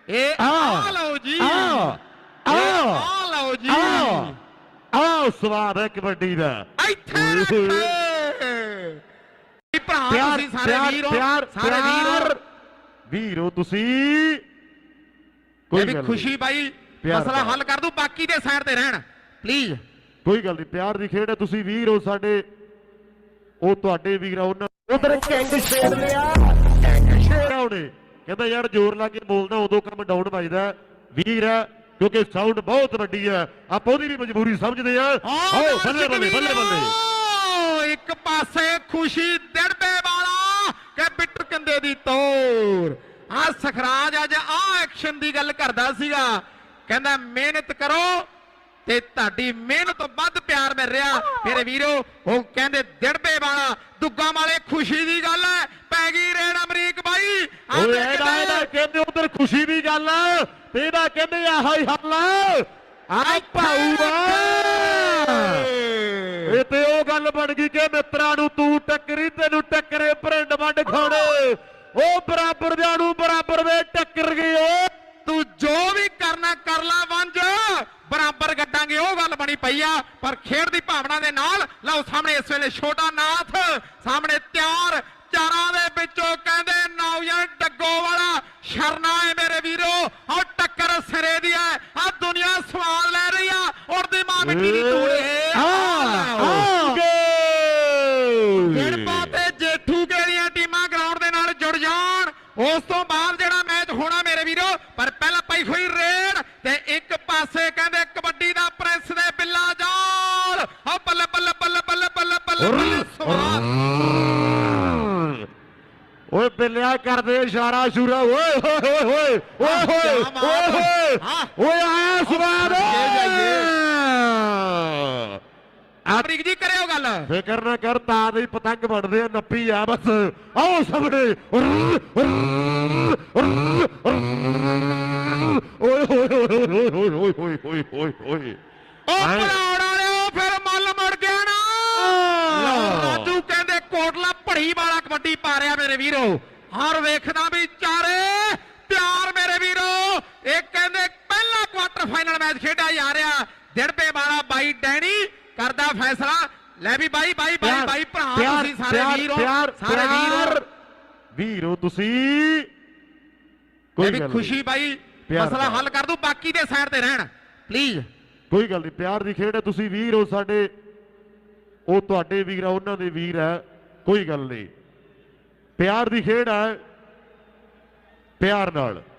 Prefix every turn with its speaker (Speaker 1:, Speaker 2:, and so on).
Speaker 1: ਲਓ ਜੀ, ਲਓ ਜੀ,
Speaker 2: ਆਓ ਸਵਾਦ ਹੈ ਕਬੱਡੀ ਦਾ। ਵੀਰੋ ਤੁਸੀਂ
Speaker 1: ਕੋਈ ਵੀ ਖੁਸ਼ੀ ਬਾਈ ਮਸਲਾ ਹੱਲ ਕਰ ਦੂ, ਬਾਕੀ ਦੇ ਸਾਈਡ ਤੇ ਰਹਿਣ ਪਲੀਜ਼।
Speaker 2: ਕੋਈ ਗੱਲ ਨਹੀਂ, ਪਿਆਰ ਦੀ ਖੇਡ ਹੈ। ਤੁਸੀਂ ਵੀਰ ਹੋ ਸਾਡੇ, ਉਹ ਤੁਹਾਡੇ ਵੀਰ ਆ। ਉਹਨਾਂ ਉਧਰ ਕਿੰਗ ਛੇੜ ਲਿਆ, ਉਹਨੇ ਕਹਿੰਦਾ ਯਾਰ ਜ਼ੋਰ ਲਾ ਕੇ ਬੋਲਦਾ ਉਦੋਂ ਕੰਮ ਡਾਊਨ ਵੱਜਦਾ। ਵੀਰ ਹੈ ਕਿਉਂਕਿ ਸਾਊਂਡ ਬਹੁਤ ਵੱਡੀ ਹੈ, ਆਪਾਂ ਉਹਦੀ ਵੀ ਮਜਬੂਰੀ ਸਮਝਦੇ ਆ। ਆਓ ਬੱਲੇ ਬੱਲੇ ਬੱਲੇ ਬੱਲੇ।
Speaker 1: ਇੱਕ ਪਾਸੇ ਖੁਸ਼ੀ ਦਿੜਬੇ ਵਾਲਾ ਕਿ ਬਿੱਟੂ ਕੰਦੇ ਦੀ ਤੋਰ। ਆ ਸਖਰਾਜ ਅੱਜ ਆ ਐਕਸ਼ਨ ਦੀ ਗੱਲ ਕਰਦਾ ਸੀਗਾ, ਕਹਿੰਦਾ ਮਿਹਨਤ ਕਰੋ ਤੇ ਤੁਹਾਡੀ ਮਿਹਨਤ ਤੋਂ ਵੱਧ ਪਿਆਰ ਮਿਲ ਰਿਹਾ ਮੇਰੇ ਵੀਰੋ। ਉਹ ਕਹਿੰਦੇ ਦਿੜਬੇ ਵਾਲਾ ਦੁੱਗਾ ਵਾਲੇ ਖੁਸ਼ੀ ਦੀ ਗੱਲ ਹੈ, ਪੈ ਗਈ ਰੇਡ ਅਮਰੀਕ ਬਾਈ।
Speaker 2: ਇਹਦਾ ਕਹਿੰਦੇ ਉਧਰ ਖੁਸ਼ੀ ਦੀ ਗੱਲ ਹੈ ਤੇ ਇਹਦਾ ਕਹਿੰਦੇ ਆਹ ਹੀ ਹੱਲ ਆ ਭਾਊਗਾ। ਇਹ ਤੇ ਉਹ ਗੱਲ ਬਣ ਗਈ ਕਿ ਮਿੱਤਰਾਂ ਨੂੰ ਤੂੰ ਟੱਕਰੀ ਤੈਨੂੰ ਟੱਕਰੇ ਭਰਿੰਡ ਵੰਡ ਖਾਣੇ। ਉਹ ਬਰਾਬਰ ਦਿਆਂ ਨੂੰ ਬਰਾਬਰ ਦੇ ਟੱਕਰ ਗਏ।
Speaker 1: ਤੂੰ ਜੋ ਵੀ ਕਰਨਾ ਕਰ ਲਾ ਵੰਜ, ਬਰਾਬਰ ਗੱਡਾਂਗੇ, ਉਹ ਗੱਲ ਬਣੀ ਪਈ ਆ। ਪਰ ਖੇਡ ਦੀ ਭਾਵਨਾ ਦੇ ਨਾਲ ਲਓ ਸਾਹਮਣੇ ਇਸ ਵੇਲੇ ਛੋਟਾ ਨਾਥ ਸਾਹਮਣੇ ਤਿਆਰ। ਚਾਰਾਂ ਦੇ ਵਿੱਚੋਂ ਕਹਿੰਦੇ ਨੌਜਵਾਨ ਡੱਗੋ ਵਾਲਾ ਸ਼ਰਨਾ ਹੈ ਮੇਰੇ ਵੀਰੋ। ਉਹ ਟੱਕਰ ਸਿਰੇ ਦੀ ਹੈ, ਆ ਦੁਨੀਆ ਸਵਾਲ ਲੈ ਰਹੀ ਆ। ਉੜਦੀ ਮਾਂ ਮਿੱਟੀ ਦੀ ਧੂੜ। ਗਿੜਬਾ ਤੇ ਜੇਠੂ ਦੀਆਂ ਟੀਮਾਂ ਗਰਾਊਂਡ ਦੇ ਨਾਲ ਜੁੜ ਜਾਣ, ਉਸ ਤੋਂ ਬਾਅਦ ਜਿਹੜਾ ਮੈਚ ਹੋਣਾ ਮੇਰੇ ਵੀਰੋ। ਪਰ ਪਹਿਲਾਂ ਪਈ ਹੋਈ ਰੇਡ ਤੇ ਇੱਕ ਪਾਸੇ ਕਹਿੰਦੇ ਕਬੱਡੀ ਦਾ ਪ੍ਰੈਸ ਦੇ ਬਿੱਲਾ ਜਾਲ। ਆ ਬੱਲੇ ਬੱਲੇ ਬੱਲੇ ਬੱਲੇ ਬੱਲੇ ਬੱਲੇ
Speaker 2: ਓਏ ਬਿੱਲਿਆ ਕਰਦੇ ਇਸ਼ਾਰਾ ਸ਼ੂਰਾ। ਓਏ ਹੋਏ ਹੋਏ ਹੋਏ ਓਏ ਹੋਏ ਓਏ ਆਇਆ ਸਵਾਦ।
Speaker 1: ਅਮਰੀਕ ਜੀ ਕਰਿਓ ਗੱਲ,
Speaker 2: ਫਿਕਰ ਨਾ ਕਰ, ਤਾਂ ਦੇ ਪਤੰਗ ਬਣਦੇ ਆ, ਨੱਪੀ ਆ ਬਸ। ਆਓ ਸਾਹਮਣੇ ਓਏ ਹੋਏ ਹੋਏ ਹੋਏ ਹੋਏ ਹੋਏ ਹੋਏ ਹੋਏ ਹੋਏ।
Speaker 1: ਉਹ ਬਣਾਉਣ ਵਾਲਿਓ ਫਿਰ ਮੱਲ ਮੁੜ ਗਿਆ ਨਾ। ਰਾਜੂ ਕਹਿੰਦੇ ਕੋਟਲਾ ਭੜੀ ਵਾਲਾ ਕਬੱਡੀ ਪਾ ਰਿਹਾ ਮੇਰੇ ਵੀਰੋ। ਹਰ ਵੇਖਦਾ ਵੀ ਚਾਰੇ ਪਿਆਰ ਮੇਰੇ ਵੀਰੋ। ਇਹ ਕਹਿੰਦੇ ਪਹਿਲਾ ਕੁਆਟਰ ਫਾਈਨਲ ਮੈਚ ਖੇਡਿਆ ਜਾ ਰਿਹਾ। ਦਿੜਬੇ ਵਾਲਾ ਬਾਈ ਡੈਣੀ ਕਰਦਾ ਫੈਸਲਾ। ਲੈ ਵੀ ਬਾਈ ਬਾਈ ਬਾਈ ਬਾਈ ਭਰਾ ਤੁਸੀਂ ਸਾਰੇ ਵੀਰ ਹੋ, ਸਾਰੇ ਵੀਰ
Speaker 2: ਵੀਰੋ ਤੁਸੀਂ।
Speaker 1: ਕੋਈ ਵੀ ਖੁਸ਼ੀ ਬਾਈ ਮਸਲਾ ਹੱਲ ਕਰ ਦੂ, ਬਾਕੀ ਦੇ ਸਾਈਡ ਤੇ ਰਹਿਣ ਪਲੀਜ਼।
Speaker 2: ਕੋਈ ਗੱਲ ਨਹੀਂ, ਪਿਆਰ ਦੀ ਖੇਡ ਹੈ। ਤੁਸੀਂ ਵੀਰ ਹੋ ਸਾਡੇ, ਉਹ ਤੁਹਾਡੇ ਵੀਰ ਆ, ਉਹਨਾਂ ਦੇ ਵੀਰ ਹੈ। ਕੋਈ ਗੱਲ ਨਹੀਂ, ਪਿਆਰ ਦੀ ਖੇਡ ਹੈ, ਪਿਆਰ ਨਾਲ।